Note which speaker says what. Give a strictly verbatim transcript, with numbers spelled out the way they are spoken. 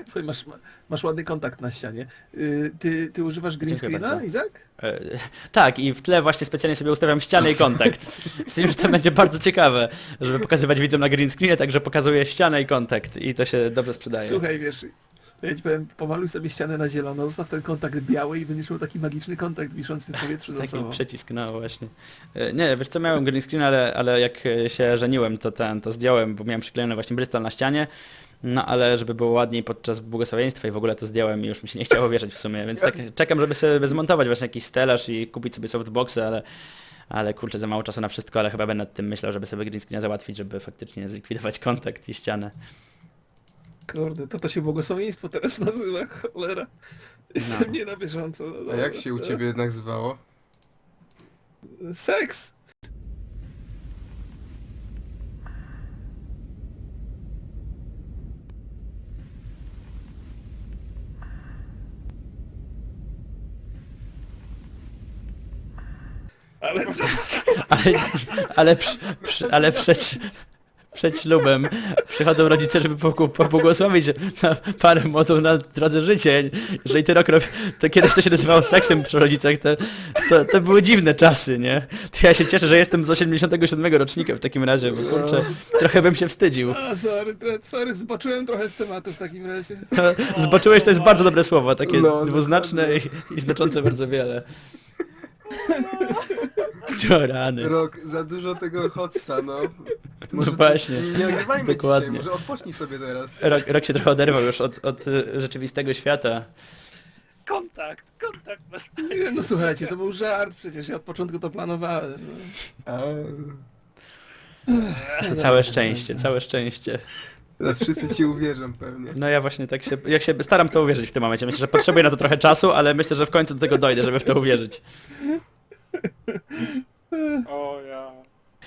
Speaker 1: Słuchaj, masz, masz ładny kontakt na ścianie. Y, Ty, ty używasz green
Speaker 2: Dziękuję
Speaker 1: screena,
Speaker 2: bardzo.
Speaker 1: Izak?
Speaker 2: E, tak, i w tle właśnie specjalnie sobie ustawiam ścianę i kontakt. Z tym, że to będzie bardzo ciekawe, żeby pokazywać widzom na green screenie, także pokazuję ścianę i kontakt i to się dobrze sprzedaje.
Speaker 1: Słuchaj, wiesz, ja ci powiem, pomaluj sobie ścianę na zielono, zostaw ten kontakt biały i będziesz miał taki magiczny kontakt wiszący w powietrzu za
Speaker 2: Taki
Speaker 1: sobą.
Speaker 2: przycisk, no właśnie. E, Nie, wiesz co, miałem green screen, ale, ale jak e, się żeniłem, to ten, to zdjąłem, bo miałem przyklejony właśnie Bristol na ścianie. No ale żeby było ładniej podczas błogosławieństwa i w ogóle to zdjąłem i już mi się nie chciało wierzyć w sumie, więc tak czekam, żeby sobie zmontować właśnie jakiś stelaż i kupić sobie softboxy, ale ale kurczę, za mało czasu na wszystko, ale chyba będę nad tym myślał, żeby sobie green screena załatwić, żeby faktycznie zlikwidować kontakt i ścianę.
Speaker 1: Kurde, to to się błogosławieństwo teraz nazywa, cholera. Jestem
Speaker 2: No.
Speaker 1: nie na bieżąco. No
Speaker 3: A
Speaker 1: dobra.
Speaker 3: jak się u ciebie jednak zwało?
Speaker 1: Seks! Ale
Speaker 2: Ale, ale, przy, przy, ale przed, przed ślubem przychodzą rodzice, żeby poku- pobłogosławić na parę młodą na drodze życia. Jeżeli ty rok rob... to kiedyś to się nazywało seksem przy rodzicach, to, to, to były dziwne czasy, nie? To ja się cieszę, że jestem z osiemdziesiątego siódmego rocznika w takim razie, bo kurczę, trochę bym się wstydził.
Speaker 1: A, sorry, tre- sorry, zboczyłem trochę z tematu w takim razie.
Speaker 2: Zboczyłeś, to jest bardzo dobre słowo, takie
Speaker 3: No,
Speaker 2: dwuznaczne i, i znaczące bardzo wiele. To rany.
Speaker 3: Rok, za dużo tego hotsa, no.
Speaker 2: No
Speaker 3: ty-
Speaker 2: właśnie,
Speaker 3: Nie nagrywajmy
Speaker 2: dokładnie.
Speaker 3: dzisiaj, może odpocznij sobie teraz.
Speaker 2: Rok, rok się trochę oderwał już od, od y, rzeczywistego świata.
Speaker 4: Kontakt, kontakt masz.
Speaker 1: Nie, no słuchajcie, to był żart, przecież ja od początku to planowałem. No.
Speaker 3: A,
Speaker 2: To całe szczęście, całe szczęście.
Speaker 3: teraz wszyscy ci uwierzą pewnie.
Speaker 2: No ja właśnie tak się, jak się staram w to uwierzyć w tym momencie. Myślę, że potrzebuję na to trochę czasu, ale myślę, że w końcu do tego dojdę, żeby w to uwierzyć.